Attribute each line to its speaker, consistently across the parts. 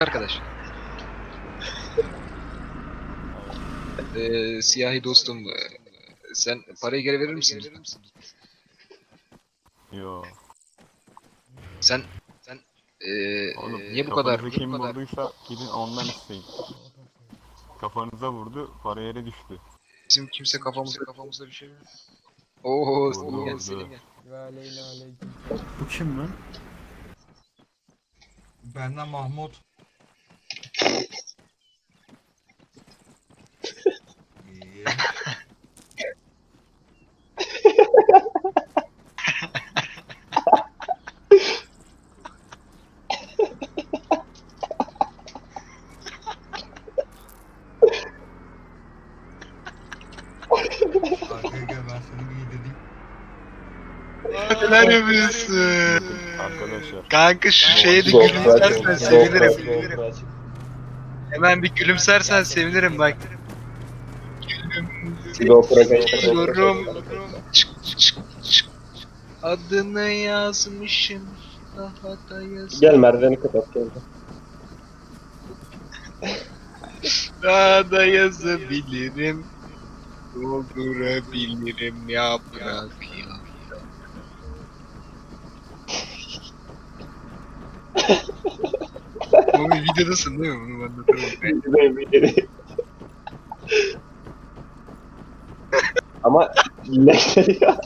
Speaker 1: Arkadaş. Siyahi dostum, sen parayı geri verir misin lütfen?
Speaker 2: Yo.
Speaker 1: Sen
Speaker 2: Oğlum
Speaker 1: niye bu
Speaker 2: kafanızı
Speaker 1: kadar
Speaker 2: kim vurduysa gidin ondan isteyin. Kafanıza vurdu, para yere düştü.
Speaker 1: bizim kimse kafamızda bir şey mi? Oo,
Speaker 2: Vurdu,
Speaker 1: Selim gel,
Speaker 2: vurdu.
Speaker 1: Selim gel.
Speaker 3: Ve aleyna aleyküm.
Speaker 4: Bu kim lan?
Speaker 5: Benden Mahmut. İyi. Arkaya gel ben seni bir yedireyim.
Speaker 1: Neler yapıyorsun?
Speaker 2: Arkadaşlar.
Speaker 1: Kanka şu şeye de gülümsersen sevinirim. Hemen bir gülümsersen sevinirim bak. Gülümsüyorum. Çık çık çık. Adını yazmışım. Daha da yazmışım.
Speaker 6: Gel merdiveni kapat gel.
Speaker 1: Daha da yazabilirim. Doldurabilirim yaprak ya. Bu bir videodasın değil mi? Bunu ben de tanıyorum.
Speaker 6: Ama ne ya?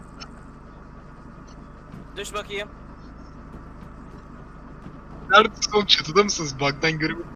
Speaker 7: Düş bakayım.
Speaker 1: Neredesiniz oğlum? Çatıda mısınız? Bug'dan görüp